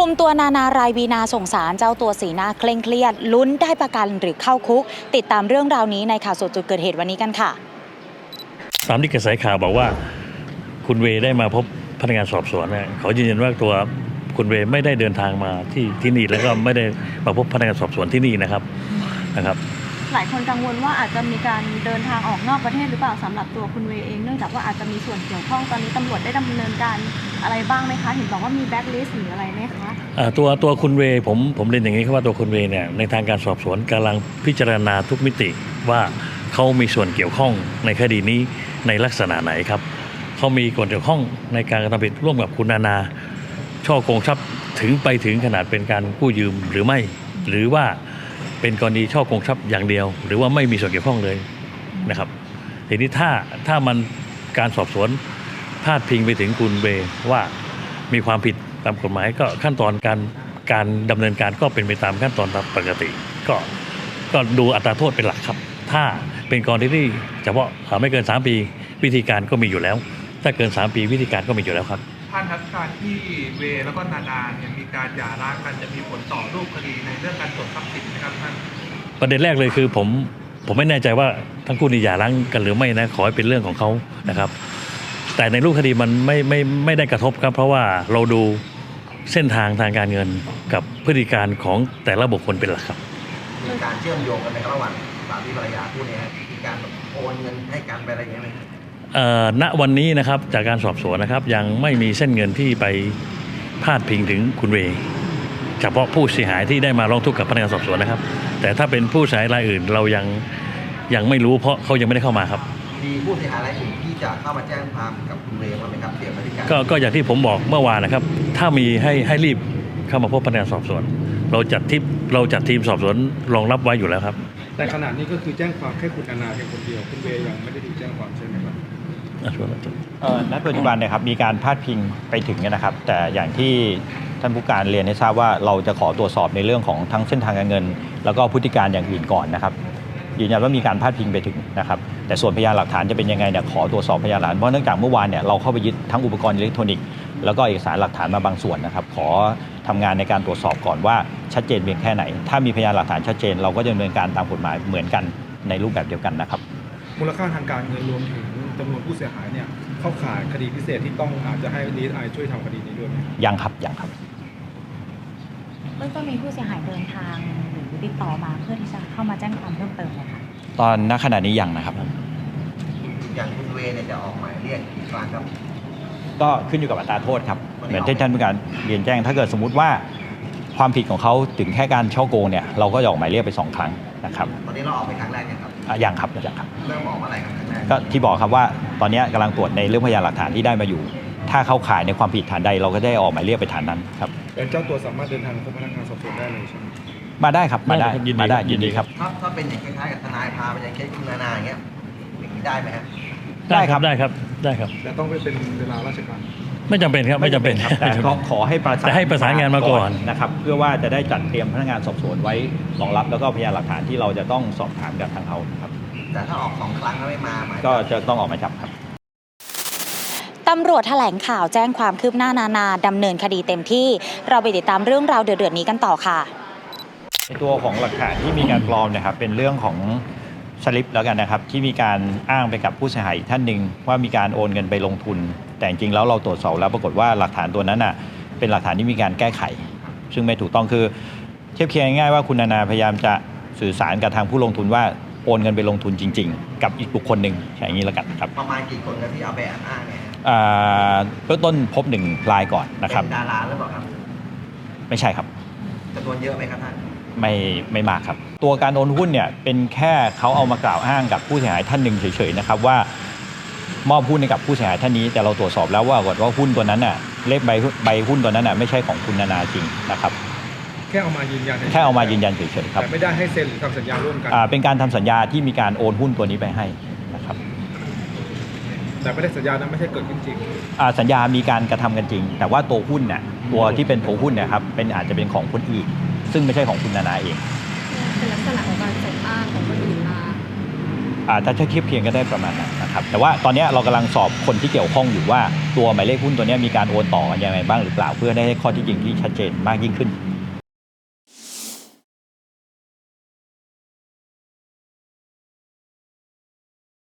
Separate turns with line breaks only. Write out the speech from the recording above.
มตัวนานารายวีนาส่งสารเจ้าตัวสีหน้าเคร่งเครียดลุ้นได้ประกันหรือเข้าคุกติดตามเรื่องราวนี้ในข่าวสดจุดเกิดเหตุวันนี้กันค่ะ
ตามที่กระแสข่าวบอกว่าคุณเวได้มาพบพนักงานสอบสวนเนี่ยเขายืนยันว่าตัวคุณเวไม่ได้เดินทางมาที่นี่แล้วก็ไม่ได้มาพบพนักงานสอบสวนที่นี่นะครับ
หลายคนกังวลว่าอาจจะมีการเดินทางออกนอกประเทศหรือเปล่าสำหรับตัวคุณเวเองเนื่องจากว่าอาจจะมีส่วนเกี่ยวข้องตอนนี้ตำรวจได้ดำเนินการอะไรบ้างไหมคะเห็นบอกว่ามีแบ็คลิสต์หรืออะไรไหมคะ
ตัวคุณเวผมเรียนอย่างนี้ครับว่าตัวคุณเวเนี่ยในทางการสอบสวนกำลังพิจารณาทุกมิติว่าเขามีส่วนเกี่ยวข้องในคดีนี้ในลักษณะไหนครับเขามีส่วนเกี่ยวข้องในการกระทำผิดร่วมกับคุณนาช่อโกงทรัพย์ไปถึงขนาดเป็นการกู้ยืมหรือไม่หรือว่าเป็นกรณีช่อโกงทรัพย์อย่างเดียวหรือว่าไม่มีส่วนเกี่ยวข้องเลยนะครับทีนี้ถ้ามันการสอบสวนพาดพิงไปถึงคุณเวว่ามีความผิดตามกฎหมายก็ขั้นตอนการดำเนินการก็เป็นไปตามขั้นตอนตามปกติก็ดูอัตราโทษเป็นหลักครับถ้าเป็นกรณีที่เฉพาะไม่เกิน3 ปีวิธีการก็มีอยู่แล้วถ้าเกิน3 ปีวิธีการก็มีอยู่แล้วครับ
ท่านครับการที่เวแล้วก็นาเนี่ยมีการหย่าร้างกันจะมีผลต่อรูปคดีในเรื่องการตรวจทรัพย์สินนะครับท่าน
ประเด็นแรกเลยคือผมไม่แน่ใจว่าทั้งคู่นี่หย่าร้างกันหรือไม่นะขอให้เป็นเรื่องของเขานะครับแต่ในรูปคดีมันไม่ได้กระทบครับเพราะว่าเราดูเส้นทางทางการเงินกับพฤติการของแต่ละบุคคลเป็นหลักครับ
มีการเชื่อมโยงกันในระหว่างสามีภรรยาคู่นี้มีการโอนเงินให้กันไปอะไรอย่างเงี้ยไหม
ณวันนี้นะครับจากการสอบสวนนะครับยังไม่มีเส้นเงินที่ไปพาดพิงถึงคุณเวเฉพาะผู้เสียหายที่ได้มาร้องทุกข์กับพนักงานสอบสวนนะครับแต่ถ้าเป็นผู้เสียหายรายอื่นเรายังไม่รู้เพราะเขายังไม่ได้เข้ามาครับ
มีผู้เสียหายรายอื่นที่จะเข้ามาแจ้งความกับคุณเวบ้างไหมครับเกี่ยวกับการ
ก็อย่างที่ผมบอกเมื่อวานนะครับถ้ามีให้รีบเข้ามาพบพนักงานสอบสวนเราจัดทีมสอบสวนรองรับไว้อยู่แล้วครับ
แต่ขณะนี้ก็คือแจ้งความแค่คุณนาเพียงคนเดียวคุณเวยังไม่ได้ถูกแจ้งความใช่ไหมครับ
ณปัจจุบันเนี่ยครับมีการพาดพิงไปถึงนะครับแต่อย่างที่ท่านผู้การเรียนให้ทราบว่าเราจะขอตรวจสอบในเรื่องของทั้งเส้นทางการเงินแล้วก็พฤติการอย่างอื่นก่อนนะครับยืนยันว่ามีการพาดพิงไปถึงนะครับแต่ส่วนพยานหลักฐานจะเป็นยังไงเนี่ยขอตรวจสอบพยานหลักฐานเพราะเนื่องจากเมื่อวานเนี่ยเราเข้าไปยึดทั้งอุปกรณ์อิเล็กทรอนิกส์แล้วก็เอกสารหลักฐานมาบางส่วนนะครับขอทำงานในการตรวจสอบก่อนว่าชัดเจนเพียงแค่ไหนถ้ามีพยานหลักฐานชัดเจนเราก็จะดำเนินการตามกฎหมายเหมือนกันในรูปแบบเดียวกันนะครับ
มูลค่าทางการเงินรวมถึงจำนวนผู้เสียหายเนี่ยเข้าข่ายคดีพิเศษที่ต้องอาจจะให้ DSI ช่วยทำคดีนี้ด้วยไหม
ยังครับ
เบื้องต้นมีผู้เสียหายเดินทางหรือติดต่อมาเพื่อที่จะเข้ามาแจ้งความเพิ่มเติมไหมคะ
ตอนณขณะนี้ยังนะครับ
อย่างคุณเวเนี่ยจะออกหมายเรียกกี่ครั้งครับ
ก็ขึ้นอยู่กับอัตราโทษครับเหมือนที่ท่านผู้การเรียนแจ้งถ้าเกิดสมมุติว่าความผิดของเขาถึงแค่การช่อโกงเนี่ยเราก็จะออกหมายเรียกไป2 ครั้งนะครับ
ตอนนี้เราออกไปครั้งแรกยังครับ
ยังครับ
เริ่มออกอะไรครับครั้งแรก
ก็ที่บอกครับว่าตอนนี้กำลังตรวจในเรื่องพยานหลักฐานที่ได้มาอยู่ถ้าเข้าข่ายในความผิดฐานใดเราก็ได้ออกหมายเรียกไปฐานนั้นครับ
แต่เจ้าตัวสามารถเดินทางพบพนักงานสอบสวนได้เลยใช่ไหม
มาได้ครับมาได้ยินดีครับ
ถ้าเป็นอย่างคล้ายๆกับทนายพาไปอย่างเคสคุณนาอย่างเงี้ยอย่างนี้ได้ไหมครับ
ได้ครับ
แต่ต้องไปเป็นเวลาราชการ
ไม่จำเป็นครับไม่จำเป็น
แต่ก็ขอให้
ประสานงานมาก่อน
นะครับเพื่อว่าจะได้จัดเตรียมพนักงานสอบสวนไว้รองรับแล้วก็พยานหลักฐานที่เราจะต้องสอบถามกับทางเขาครับ
แต่ถ้าออก2 ครั้งแล้วไม่มา
ก็จะต้องออกหมายจับครับ
ตำรวจแถลงข่าวแจ้งความคืบหน้านาดำเนินคดีเต็มที่เราไปติดตามเรื่องราวเดือดๆนี้กันต่อค่ะ
ในตัวของหลักฐานที่มีการปลอมนะครับเป็นเรื่องของสลิปแล้วกันนะครับที่มีการอ้างไปกับผู้เสียหายท่านหนึ่งว่ามีการโอนเงินไปลงทุนแต่จริงๆแล้วเราตรวจสอบแล้วปรากฏว่าหลักฐานตัวนั้นน่ะเป็นหลักฐานที่มีการแก้ไขซึ่งไม่ถูกต้องคือเทียบเคียงง่ายๆว่าคุณนาพยายามจะสื่อสารกับทางผู้ลงทุนว่าโอนเงินไปลงทุนจริงๆกับอีกบุคคลหนึ่งอย่างนี้แล้วกันครับ
ประมาณกี่คนครับที่เอาไปอ้างเนี่ย
เบื้องต้นพบ1 รายก่อนนะครับ
เป็นดาราหรือเปล่าครับ
ไม่ใช่ครับ
จำนวนเยอะไหมครับท่าน
ไม่มากครับตัวการโอนหุ้นเนี่ยเป็นแค่เขาเอามากล่าวอ้างกับผู้เสียหายท่านหนึ่งเฉยๆนะครับว่ามอบหุ้นให้กับผู้เสียหายท่านนี้แต่เราตรวจสอบแล้วว่าหุ้นตัวนั้นน่ะเลขใบหุ้นตัวนั้นน่ะไม่ใช่ของคุณนาจริงนะครับ
แค่เอามายืนยัน
เฉยๆครับ
แต่ไม่ได้ให้เซ็นหรือทำสัญญาร่วมกัน
เป็นการทำสัญญาที่มีการโอนหุ้นตัวนี้ไปให้นะครับ
แต่ไม่ได้สัญญานั้นไม่ใช่เกิดขึ้นจริง
สัญญามีการกระทำกันจริงแต่ว่าตัวหุ้นน่ะตัวที่เป็นตัวหุ้นเนี่ยครับอาจจะเป็นของคนอื่นซึ่งไม่ใช่ของคุณนาเอง
เป็นลักษณะของการใส่อ้างของคนอื่นมา
ถ้าเทียบเคียงก็ได้ประมาณนั้นนะครับแต่ว่าตอนนี้เรากำลังสอบคนที่เกี่ยวข้องอยู่ว่าตัวหมายเลขหุ้นตัวนี้มีการโอนต่อยังไงบ้างหรือเปล่าเพื่อได้ข้อที่จริงที่ชัดเจนมากยิ่งขึ้น